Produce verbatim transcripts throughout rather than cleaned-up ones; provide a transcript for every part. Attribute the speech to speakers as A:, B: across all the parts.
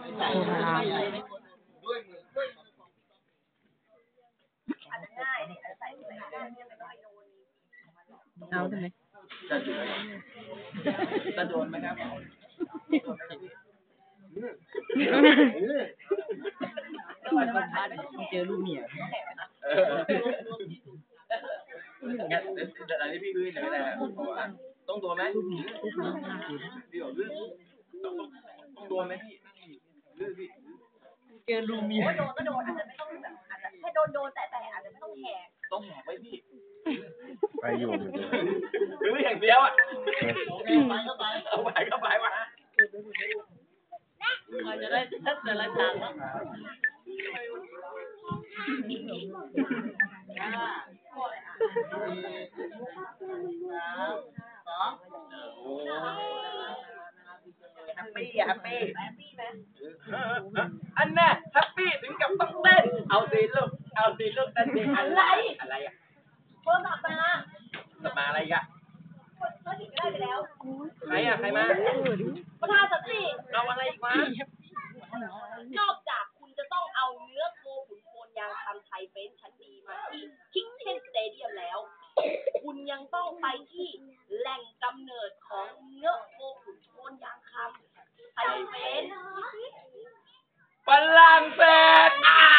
A: โคราชเอาทำไม
B: จะโดนไหมครับเจอลูกเมียงั้นเดี๋ยวอะไรพี่ดูหน่อยก็ได้ต้องโดนไหมพี่บอกลื่นต้องต้องโดนไหมพี่ลื่นพี่เจอลูกเมียโดนก็โดนอาจจะไม่ต้องแบบอาจจะแค่โดนโดนแต่แต่อาจจะไม่ต้องแหกต้องแหกไว้พี่
C: ไปอยู่
B: หรืออย่างเดียวอ่ะไปก็ไปเอาไปก็ไปวะมันจะได้ชัดแต่ละทางเนาะแฮปปี้แฮปปี้แฮปปี้ไหมอันน่ะแฮปปี้ถึงกับต้องเต้นเอาสิลูกเอาสิลูกเต้นสิอะไรอะไรอ่ะโทรศัพท์มาโทรศัพท์มาอะไรอ่ะก็ถึงได้ไปแล้วใครอ่ะใครมาประธานสันติเอาอะไรอีกมานอกจากคุณจะต้องเอาเนื้อโคขุนโคนยางคำไทยเฟนชั้นดีมาที่คิกเช่นสเตเดียมแล้วคุณยังต้องไปที่แหล่งกำเนิดของเนื้อโคขุนโคนยางคำไทยเฟนฝรั่งเศสอ่ะ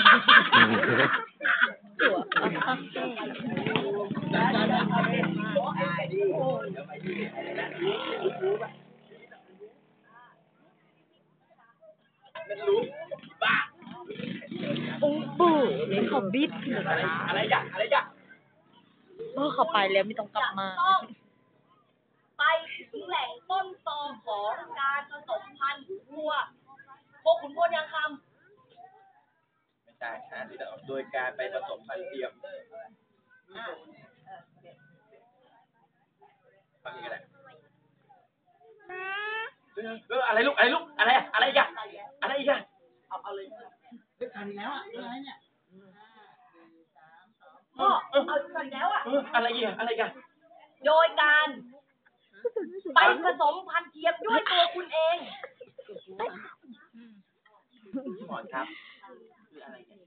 B: มันรู้บ้า
A: โอ้โหนี่เขาบิด
B: อะไรอะไรอย่างอะไรอย่าง
A: เมื่อเขาไปแล้วไม่ต้องกลับมา
D: ไปถึงแหล่งต้นตอของการผสมพันธุ์วัวโคขุนโคนยางคำ
B: ไม่ใช่ฮะโดยการไปผสมพันธุ์เทียมฟังยังไงเอออะไรลูกอะไรลูกอะไรอะไรอีกอะอะไรอีกอะเอาเอาเลยเรื่องการแล้วอะอะไรเนี่ย
D: พ่อเอากันแล้วอะ
B: อะไรอีกอะอะไรอีกอะ
D: โดยการไปผสมพันธุ์เทียมด้วยตัวคุณเอง
B: พี่หมอนครับคืออะไรกัน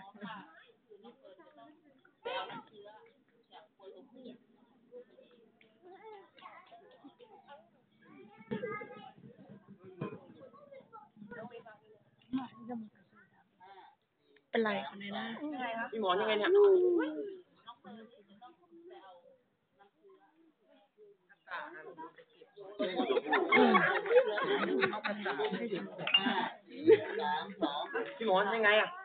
A: เป็นไรคนนี้นะ
B: พี่หมอนยังไงเนี่ยพี่หมอนยังไงอ่ะ